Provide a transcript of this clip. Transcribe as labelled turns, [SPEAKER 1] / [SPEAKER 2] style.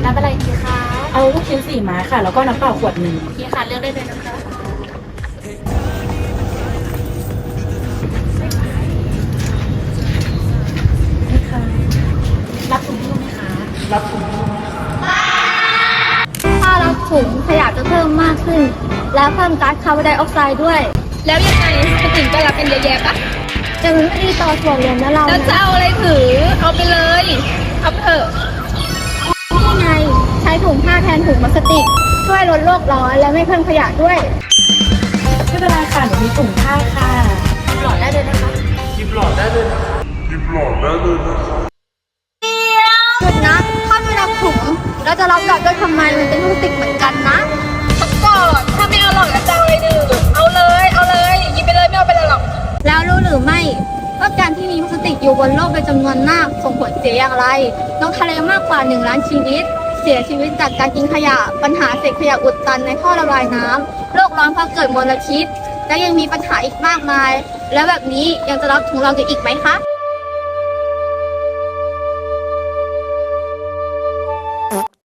[SPEAKER 1] รับอะไรดีคะ
[SPEAKER 2] เอาลูกชิ้น4 ไม้ค่ะแล้วก็น้ำเปล่าขวดหนึ่ง
[SPEAKER 1] นี่ค่ะเลือกได้เลยนะคะ
[SPEAKER 2] นี่ค่ะ
[SPEAKER 1] รับถุงมือไหมคะ
[SPEAKER 2] รับถุงมือ
[SPEAKER 3] ถ้ารับถุงขยะจะเพิ่มมากขึ้น และเพิ่มก๊าซคาร์บอนไดออกไซด์ด้วย
[SPEAKER 4] แล้วยังไงคนอื่นก็รับกันเยอะแยะปะ
[SPEAKER 3] แต่มันไม่ดีต่อส่วนรวมนะเรา
[SPEAKER 4] แล้วจะเอาอะไรถือ เอาไปเลย เอาไปเถอะ
[SPEAKER 3] นี่ไงใช้ถุงผ้าแทนถุงพลาสติก ช่วยลดโลกร้อนและไม่เพิ่มขยะด้วย
[SPEAKER 2] ไม่เป็นไรค่ะหนูมีถุงผ้าค่ะ
[SPEAKER 1] หลอดได้เลยนะคะ
[SPEAKER 3] หยุดนะถ้าไม่รับถุงเราจะรับกลับด้วยทำไมมันเป็นพลาสติกเหมือนกันนะ
[SPEAKER 4] ก่อนถ้าไม่เอาหรอกจะเอาอะไรดื่มเอาเลย เอาเลยหยิบไปเลยไม่เอาไปเลยหรอก
[SPEAKER 3] แล้วรู้หรือไม่ว่าการที่มีพลาสติกอยู่บนโลกเป็นจำนวนมากส่งผลเสียอย่างไรนกทะเลมากกว่า1 ล้านชีวิตเสียชีวิตจากการกินขยะปัญหาเศษขยะอุดตันในท่อระบายน้ำโลกร้อนเพราะเกิดมลพิษและยังมีปัญหาอีกมากมาย แล้วแบบนี้ยังจะรับถุงเรากันอีกไหมคะ